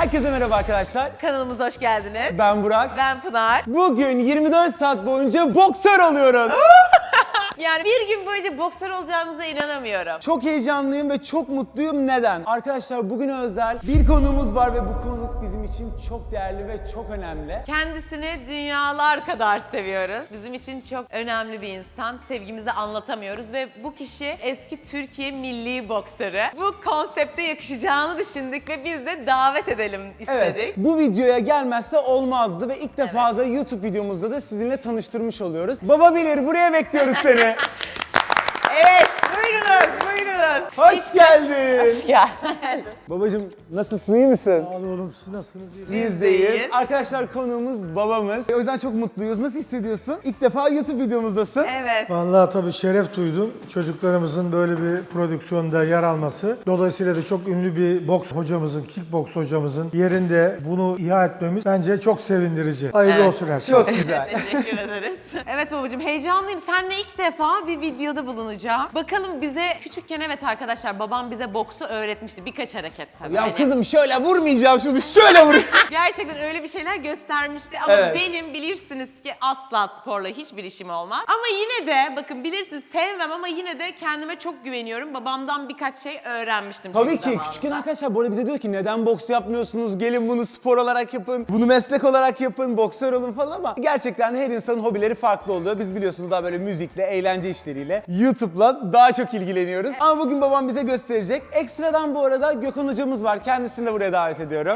Herkese merhaba arkadaşlar. Kanalımıza hoş geldiniz. Ben Burak. Ben Pınar. Bugün 24 saat boyunca boksör oluyoruz. Yani bir gün boyunca boksör olacağımıza inanamıyorum. Çok heyecanlıyım ve çok mutluyum. Neden? Arkadaşlar bugün özel bir konuğumuz var ve bu konuk bizim için çok değerli ve çok önemli. Kendisini dünyalar kadar seviyoruz. Bizim için çok önemli bir insan. Sevgimizi anlatamıyoruz ve bu kişi eski Türkiye milli boksörü. Bu konsepte yakışacağını düşündük ve biz de davet edelim istedik. Evet, bu videoya gelmezse olmazdı ve ilk defa da YouTube videomuzda da sizinle tanıştırmış oluyoruz. Baba Bilir, buraya bekliyoruz seni. Evet, buyurunuz, buyurunuz. Hoş geldin. Hoş geldin. Babacım nasılsın, iyi misin? Sağ olun oğlum, siz nasılsınız? Biz Biz deyiz. deyiz. Arkadaşlar konuğumuz babamız. O yüzden çok mutluyuz. Nasıl hissediyorsun? İlk defa YouTube videomuzdasın. Evet. Vallahi tabii şeref duydum. Çocuklarımızın böyle bir prodüksiyonda yer alması. Dolayısıyla da çok ünlü bir boks hocamızın, kickboks hocamızın yerinde bunu ihya etmemiz bence çok sevindirici. Hayırlı Evet. olsun her şey. Çok güzel. Teşekkür ederiz. Evet babacığım, heyecanlıyım. Seninle ilk defa bir videoda bulunacağım. Bakalım bize küçükken, evet arkadaşlar, babam bize boksu öğretmişti. Birkaç hareket tabii. Ya Hani kızım şöyle vurmayacağım şunu, şöyle vur. gerçekten öyle bir şeyler göstermişti ama Evet. benim bilirsiniz ki asla sporla hiçbir işim olmaz. Ama yine de bakın, bilirsiniz sevmem ama yine de kendime çok güveniyorum. Babamdan birkaç şey öğrenmiştim. Tabii çünkü ki zamanında. küçükken arkadaşlar bu arada bize diyor ki neden boks yapmıyorsunuz? Gelin bunu spor olarak yapın, bunu meslek olarak yapın, boksör olun falan ama gerçekten her insanın hobileri farklı oluyor. Biz biliyorsunuz daha böyle müzikle, eğlence işleriyle, YouTube'la daha çok ilgileniyoruz. Ama bugün babam bize gösterecek. Ekstradan bu arada Gökhan hocamız var. Kendisini de buraya davet ediyorum.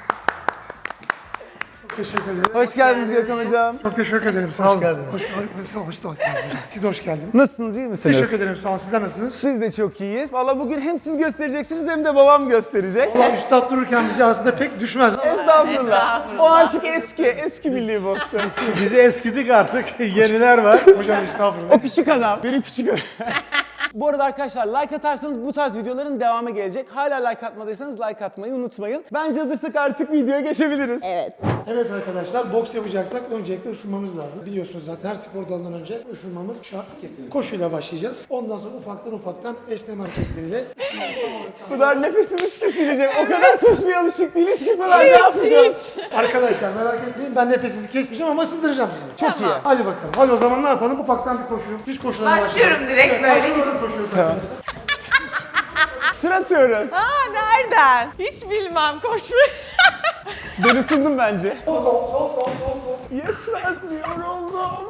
Teşekkür ederim. Hoş geldiniz Gökhan hocam. Çok teşekkür ederim. Sağ olun. geldiniz. Hoş geldiniz. Siz de hoş geldiniz. Nasılsınız, iyi misiniz? Teşekkür ederim. Sağ olun. Sizler nasılsınız? Biz de çok iyiyiz. Valla bugün hem siz göstereceksiniz hem de babam gösterecek. Allah üstad dururken bize aslında pek düşmez. Estağfurullah. Estağfurullah. O artık eski milli boksör. Biz eskidik artık, yeniler var. Hocam estağfurullah. O küçük adam, benim küçük adam. Bu arada arkadaşlar like atarsanız bu tarz videoların devamı gelecek. Hala like atmadıysanız like atmayı unutmayın. Bence hazırsak artık videoya geçebiliriz. Evet arkadaşlar, boks yapacaksak öncelikle ısınmamız lazım. Biliyorsunuz zaten her spor dalından önce ısınmamız şart. Kesinlikle. Koşuyla başlayacağız. Ondan sonra ufaktan esneme hareketleriyle. Pınar nefesimiz kesilecek. O kadar koşmaya alışık değiliz ki Pınar, ne yapacağız? Arkadaşlar merak etmeyin, ben nefesinizi kesmeyeceğim ama ısındıracağım sizi. Çok iyi. Hadi bakalım. Hadi o zaman ne yapalım? Ufaktan bir koşu. Düz koşulara Başlıyorum direkt Evet, böyle. ayrılıyorum, koşuyoruz arkadaşlar. Tır atıyoruz. Aa, nereden? Hiç bilmem koşmayı. Ben ısındım bence. Sol kol, sol kol, sol kol. Yetmez mi, yoruldum.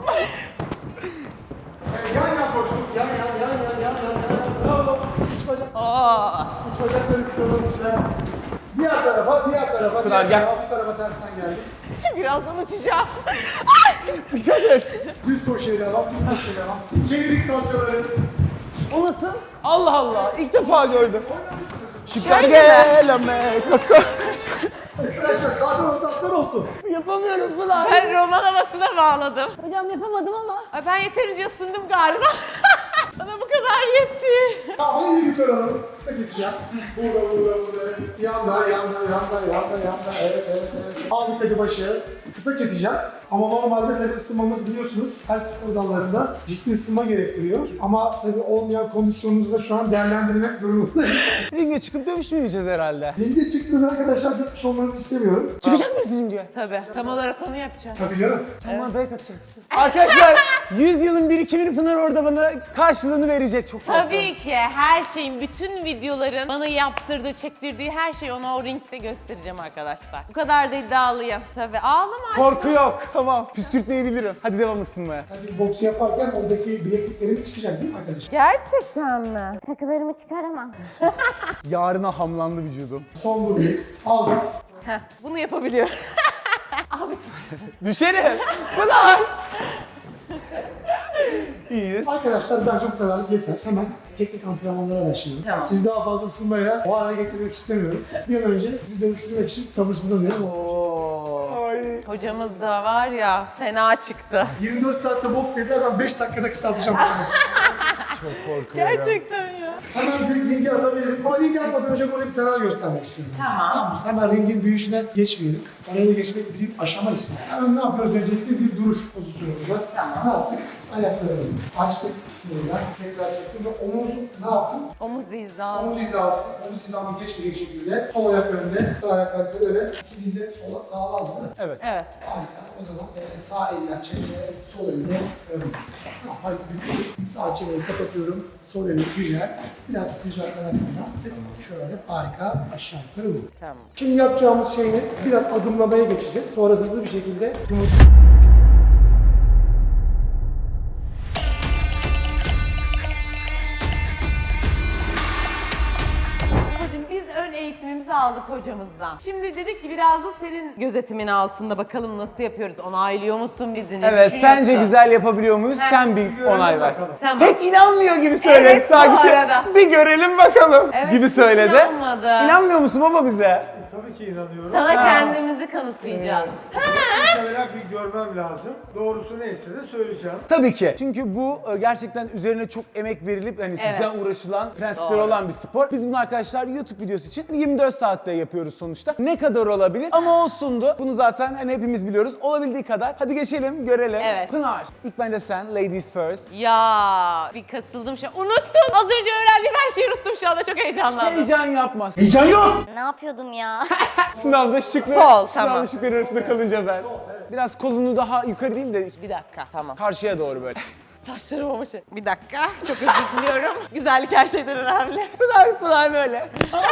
Yan yan koşun. Yan. Bravo. İç bacak. Oo. İç bacakları sıkalım güzel. Diğer tarafa. Pınar, gel. Bu tarafa tersten geldik. Birazdan uçacağım. Dikkat et. Düz koşuya devam. Çevirik kalçaları. O nasıl? Allah Allah. İlk defa gördüm. Şükür Şöyle mi? geleme koko. Arkadaşlar kalça rotasyon olsun. Yapamıyorum Pınar. Ben roman havasına bağladım. Hocam yapamadım ama. Ay, ben yeterince ısındım galiba. Bana bu kadar yetti. Tamam, hadi yukarı alalım. Kısa keseceğim. Burada. Yanda. Evet. Al dikkati başı. Kısa keseceğim. Ama normalde tabii ısınmamız biliyorsunuz her spor dallarında ciddi ısınma gerektiriyor. Ama tabii olmayan kondisyonumuzu da şu an değerlendirmek durumundayım. Ringe çıkıp dövüşmeyeceğiz herhalde. Denge çıktığınız arkadaşlar gitmiş olmanızı istemiyorum. Çıkacak mısın ringe? Tabii. Tam olarak onu yapacağız. Tabii canım. Tamam, dayak atacaksın. Arkadaşlar 100 yılın birikimini Pınar orada bana karşılığını verecek. Çok fazla. Tabii ki her şeyin, bütün videoların bana yaptırdığı, çektirdiği her şeyi ona o ringde göstereceğim arkadaşlar. Bu kadar da iddialıyım. Tabii. Ağlama aşkım. Korku yok. Tamam. Püskürtmeyi bilirim. Hadi devam ısınmaya. Yani biz boksu yaparken oradaki bilekliklerimiz çıkacak değil mi arkadaşlar? Gerçekten mi? Takılarımı çıkaramam. Yarına hamlandı vücudum. Son buradayız. Aldım. Heh, bunu yapabiliyorum. Abi Düşerim. Pınar. İyiyiz. Arkadaşlar bence bu kadar yeter. Hemen teknik antrenmanlara başlayalım. Tamam. Sizi daha fazla ısınmayla o hale getirmek istemiyorum. Bir an önce sizi dönüştürmek için sabırsızlanıyorum. Ay. hocamız da var ya, fena çıktı. 24 saatte boks dediler, ben 5 dakikada kısaltacağım. Çok korkuyorum. Gerçekten ya. Hemen direkt ringi atabilirim. Ama ringi atmadan önce buraya bir temel göstermek istiyorum. Tamam. Hemen ringin büyüyüşüne geçmeyelim. Oraya da geçmek bir aşama ister. Hemen ne yapıyoruz? Öncelikle bir duruş pozisyonumuzda. Tamam. Ne yaptık? Ayaklarımızı açtık ikisini de. Tekrar çektim ve omuzu ne yaptım? Omuz hizası. Omuz hizası, omuz hizamı geçmeyecek şekilde sol ayak önde, sağ ayak arkada ve iki dizi sola sağlamaz değil mi? Evet. Evet. Harika. O zaman sağ eller çeneye, sol elle önde. Hadi bir sağ çeneyi kapatıyorum. Sol eli güzel. Biraz güzel kanatlarına. Şöyle harika aşağı yukarı bu. Tamam. Şimdi yapacağımız şey ne? Biraz adımlamaya geçeceğiz. Sonra hızlı bir şekilde Hocam biz ön eğitimimizi aldık hocamızdan. Şimdi dedik ki biraz da senin gözetimin altında bakalım nasıl yapıyoruz. Onaylıyor musun bizi? Ne Evet, düşünüyorsun? sence güzel yapabiliyor muyuz? Sen bir onay ver. Tamam. Pek inanmıyor gibi söyledi Evet, sanki. bu arada. Bir görelim bakalım Evet, gibi hiç söyledi. inanmadı. İnanmıyor musun baba bize? Tabii ki inanıyorum. Sana kendimizi kanıtlayacağız. Evvela bir görmem lazım. Doğrusu neyse de söyleyeceğim. Tabii ki. Çünkü bu gerçekten üzerine çok emek verilip hani Evet. sıcağı uğraşılan, prensipleri Doğru. olan bir spor. Biz bunu arkadaşlar YouTube videosu için 24 saatte yapıyoruz sonuçta. Ne kadar olabilir? Ama olsundu. Bunu zaten hani hepimiz biliyoruz. Olabildiği kadar. Hadi geçelim, görelim. Evet. Pınar, ilk bence sen, ladies first. Ya bir kasıldım şu an. Unuttum. Az önce öğrendiğim her şeyi unuttum şu anda. Çok heyecanlandım. Heyecan yapmaz. heyecan yok. Ne yapıyordum ya? Sınavda şıklı, Sol, sınavda tamam. şıklar arasında kalınca ben. Biraz kolunu daha yukarı değil de Bir dakika. Tamam. karşıya doğru böyle. Saçlarım ama şey. Bir dakika. Çok özür diliyorum. Güzellik her şeyden önemli. Pınar böyle.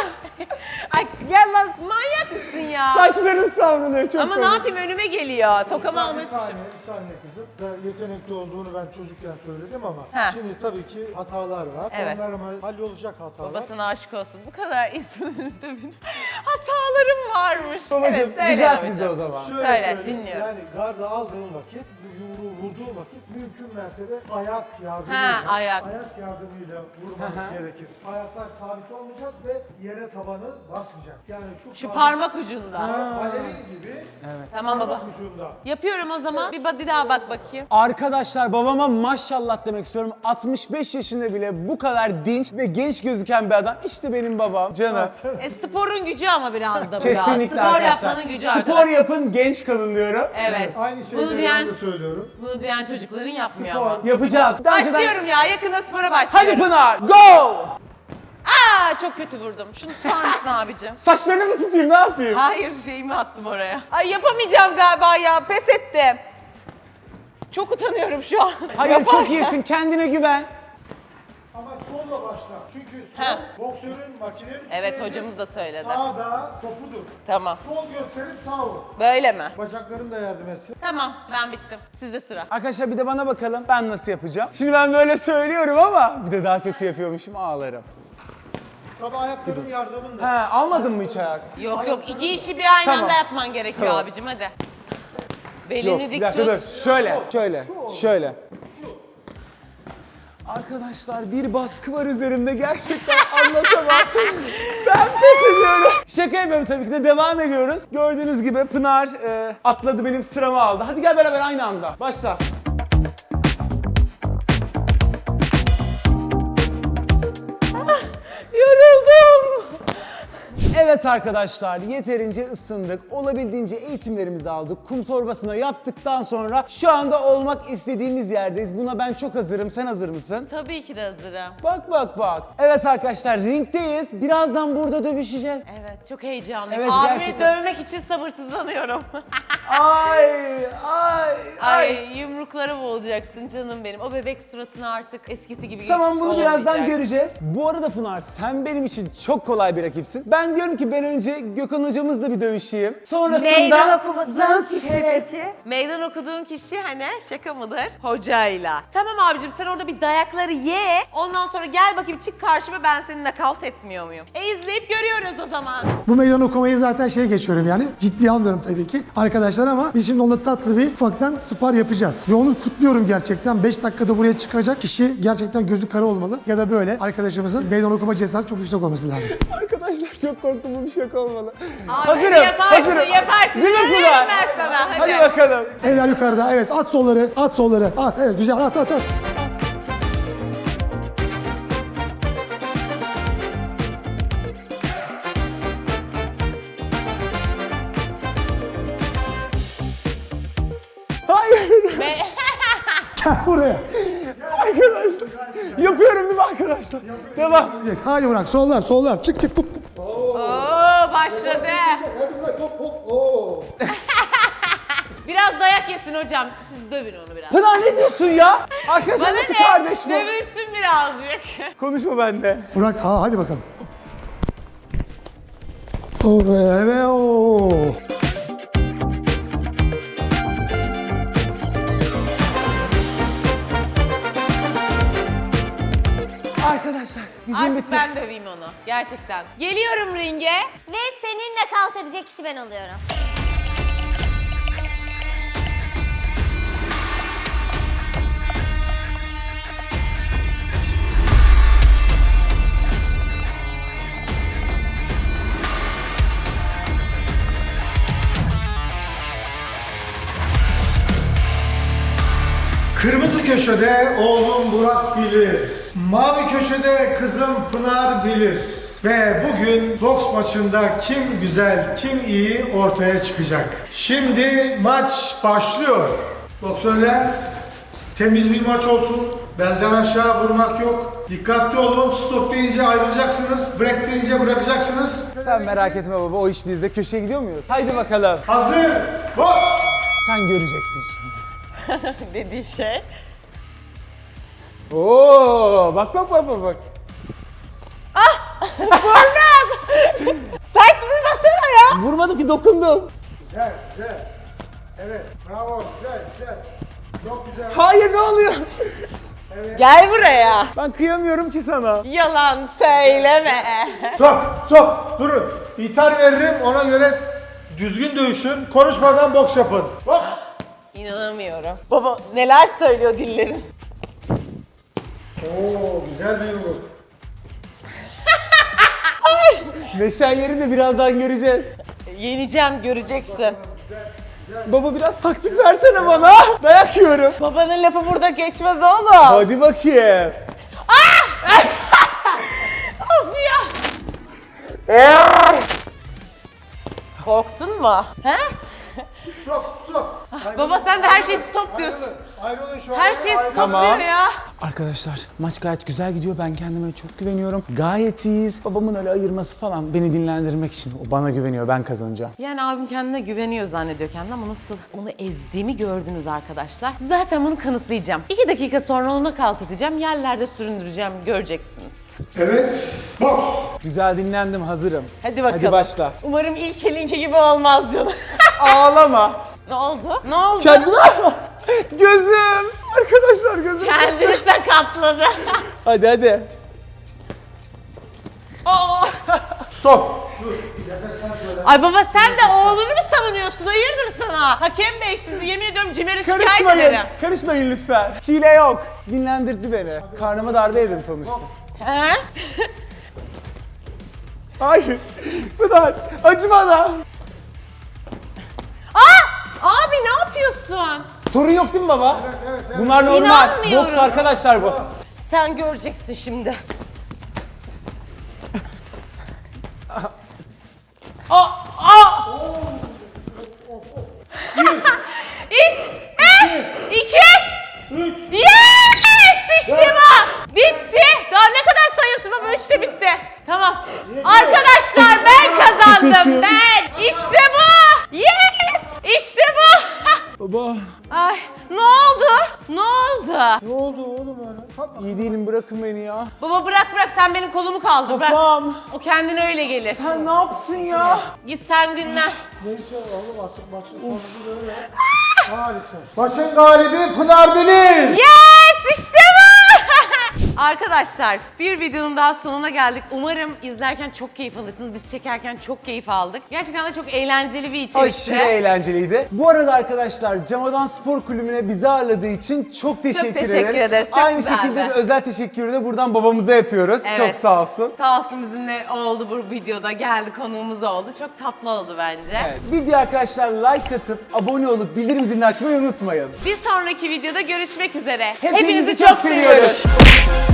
Ay gel lan manyak mısın ya? Saçların savruluyor çok Ama ne komik. yapayım önüme geliyor. Tokamı Bir almaya çalışıyorum. saniye, bir saniye kızım. Da yetenekli olduğunu ben çocukken söyledim ama Ha. şimdi tabii ki hatalar var. Evet. Onlar ama hallolacak hatalar. Babasına aşık olsun. Bu kadar insanın önünde benim hatalarım varmış. Babacığım, söyle düzelt babacığım. bizi o zaman. Şöyle Söyle, söyleyeyim, dinliyoruz. Yani garda aldığın vakit, bu yumruğu vurduğun vakit mümkün mertebe ayak yardımıyla, Ha, ayak. yardımıyla vurmanız gerekir. Ayaklar sabit olmayacak ve yere tabanı basmayacak. Yani Şu parmak ucunda. balerin gibi Tamam baba. parmak ucunda. Yapıyorum o zaman. Bir daha bak bakayım. Arkadaşlar babama maşallah demek istiyorum. 65 yaşında bile bu kadar dinç ve genç gözüken bir adam. İşte benim babam. Canım. Sporun gücü ama biraz da bu ya. Kesinlikle Spor arkadaşlar. yapmanın gücü Spor arkadaşlar. yapın, genç kalın diyorum. Evet. Aynı Bunu şeyleri diyen, ben de söylüyorum. bunu diyen çocukların yapmıyor ama. Spor. Yapacağız. Daha önceden- Başlıyorum ya. Yakında spora başlıyorum. Hadi Pınar, go! Aa çok kötü vurdum. Şunu tutar mısın abicim? Saçlarını mı tutayım, ne yapayım? Hayır şeyimi attım oraya. Ay yapamayacağım galiba ya. Pes ettim. Çok utanıyorum şu an. Hayır, Yaparken. çok iyisin. Kendine güven. Ama solla başla. Çünkü sol Ha. boksörün makinenin Evet üstüne hocamız da söyledi. sağda topudur. Tamam. Sol gösterip sağ vur. Böyle mi? Bacakların da yardım etsin. Tamam ben bittim. Sizde sıra. Arkadaşlar bir de bana bakalım ben nasıl yapacağım. Şimdi ben böyle söylüyorum ama bir de daha kötü yapıyormuşum, ağlarım. Tabii ayakların yardımında. He, almadın mı hiç ayak? Yok yok iki işi bir aynı Tamam. anda yapman gerekiyor Tamam. abicim hadi. Yok, Belini bir dik dakika tut. dur. Şöyle. Arkadaşlar bir baskı var üzerimde, gerçekten anlatamam. Ben pes ediyorum. Şaka yapıyorum tabii ki de, devam ediyoruz. Gördüğünüz gibi Pınar atladı, benim sıramı aldı. Hadi gel beraber aynı anda. Başla. Yoruldum. Evet arkadaşlar, yeterince ısındık. Olabildiğince eğitimlerimizi aldık. Kum torbasına yattıktan sonra şu anda olmak istediğimiz yerdeyiz. Buna ben çok hazırım. Sen hazır mısın? Tabii ki de hazırım. Bak. Evet arkadaşlar, ringdeyiz. Birazdan burada dövüşeceğiz. Evet çok heyecanlıyım. Evet, Abimi gerçekten. dövmek için sabırsızlanıyorum. Ay. Yumruklara boğulacaksın canım benim. O bebek suratını artık eskisi gibi Tamam, bunu birazdan olmayacak. göreceğiz. Bu arada Pınar, sen benim için çok kolay bir rakipsin. Ben diyorum ki ben önce Gökhan hocamızla bir dövüşeyim. Sonrasında... Meydan okuduğun kişi hani şaka mıdır? Hocayla. Tamam abicim sen orada bir dayakları ye. Ondan sonra gel bakayım çık karşıma, ben seni nakavt etmiyor muyum? İzleyip görüyoruz o zaman. Bu meydan okumayı zaten geçiyorum yani. Ciddiye almıyorum tabii ki arkadaşlar ama biz şimdi onunla tatlı bir ufaktan spar yapacağız. Ve onu kutluyorum gerçekten. 5 dakikada buraya çıkacak kişi gerçekten gözü kara olmalı. Ya da böyle arkadaşımızın meydan okuma cesareti çok yüksek olması lazım. Arkadaşlar çok korktum, bu bir şaka olmalı. Abi, yaparsın. Değil mi Görüyorum Pınar? ben sana. Hadi bakalım. Eller yukarıda. Evet at solları. At solları. At. Evet güzel. At. Gel buraya. Arkadaşlar. Yapıyorum değil mi arkadaşlar? Devam. Hadi bırak sollar sollar çık çık. Oo başladı. Hadi bırak hop hop. Oo. Biraz dayak yesin hocam. Siz dövün onu biraz. Pınar ne diyorsun ya? Arkadaşlar Bana nasıl ne? kardeş bu? Dövülsün birazcık. Konuşma bende. Burak hadi bakalım. Oh evet o. Arkadaşlar gücüm Artık bitti. ben döveyim onu. Gerçekten. Geliyorum ringe. Ve seninle kalt edecek kişi ben oluyorum. Kırmızı köşede oğlum Burak bilir. Mavi köşede kızım Pınar bilir. Ve bugün boks maçında kim güzel, kim iyi ortaya çıkacak. Şimdi maç başlıyor. Boksörler temiz bir maç olsun. Belden aşağı vurmak yok. Dikkatli olun. Stop deyince ayrılacaksınız. Break deyince bırakacaksınız. Sen merak etme baba, o iş bizde. Köşeye gidiyor muyuz? Haydi bakalım. Hazır. Boks. Sen göreceksin şimdi. Dediği şey. Oo, bak bak bak bak bak. Sert vurmasana ya. Vurmadım ki, dokundum. Güzel, güzel. Evet, bravo, güzel, güzel. Çok güzel. Hayır, ne oluyor? Gel buraya. Ben kıyamıyorum ki sana. Yalan söyleme. Stop, stop, durun. İthal veririm, ona göre düzgün dövüşün. Konuşmadan boks yapın. Boks. İnanamıyorum. Baba neler söylüyor dillerin. Oo, güzel bir yumruk. Neşen yerini birazdan göreceğiz. Yeneceğim göreceksin. Baba biraz taktik versene bana. Dayak yiyorum. Babanın lafı burada geçmez oğlum. Hadi bakayım. Of ya. Korktun mu? He? Stop, stop. Baba sen de her şeyi stop diyorsun. Ayrılın şu Her şey stop Tamam. diyor ya. Arkadaşlar maç gayet güzel gidiyor. Ben kendime çok güveniyorum. Gayet iyiyiz. Babamın öyle ayırması falan beni dinlendirmek için. O bana güveniyor. Ben kazanacağım. Yani abim kendine güveniyor zannediyor kendine ama nasıl onu ezdiğimi gördünüz arkadaşlar. Zaten bunu kanıtlayacağım. 2 dakika sonra onu kalt edeceğim. Yerlerde süründüreceğim. Göreceksiniz. Evet, boks. Güzel dinlendim. Hazırım. Hadi bakalım. Hadi başla. Umarım ilk elinki gibi olmaz canım. Ağlama. Ne oldu? Ne oldu? Kendime. Gözüm. Arkadaşlar gözüm. Kendini sakatladı. Hadi hadi. Stop. Ay baba sen de oğlunu mu savunuyorsun? Hayırdır sana? Hakem bey sizi yemin ediyorum Cimer'e şikayet Karışmayın. ederim. Karışmayın lütfen. Hile yok. Dinlendirdi beni. Karnıma darbe yedim sonuçta. He? Hayır. Pınar. Acı bana. Abi ne yapıyorsun? Sorun yok değil mi baba? Bunlar normal. İnanmıyorum. Boks arkadaşlar bu. Sen göreceksin şimdi. İş, iki, yes! İşte bu! Bitti! Daha ne kadar sayıyorsun baba? 3'te bitti. Tamam. Arkadaşlar ben kazandım ben. İşte bu! Yes! İşte bu! Baba. Ay ne oldu? Ne oldu? Ne oldu oğlum öyle? İyi değilim, bırakın beni ya. Baba bırak sen benim kolumu kaldır. Bırak. Kafam. O kendine öyle gelir. Sen ne yaptın ya? Git sen dinlen. Neyse oğlum artık maçın sonucu böyle. Maalesef. Maçın galibi Pınar bilir. Yes! İşte bu! Arkadaşlar bir videonun daha sonuna geldik. Umarım izlerken çok keyif alırsınız. Biz çekerken çok keyif aldık. Gerçekten de çok eğlenceli bir içerikti. Aşırı eğlenceliydi. Bu arada arkadaşlar Camadan Spor Kulübü'ne bizi ağırladığı için çok teşekkür ederiz, çok Aynı güzeldi. şekilde bir özel teşekkürü de buradan babamıza yapıyoruz. Evet. Çok sağ olsun. Sağ olsun bizimle oldu bu videoda. Geldi konuğumuz oldu. Çok tatlı oldu bence. Evet. Video arkadaşlar like atıp abone olup bildirim zilini açmayı unutmayın. Bir sonraki videoda görüşmek üzere. Hepinizi çok seviyoruz.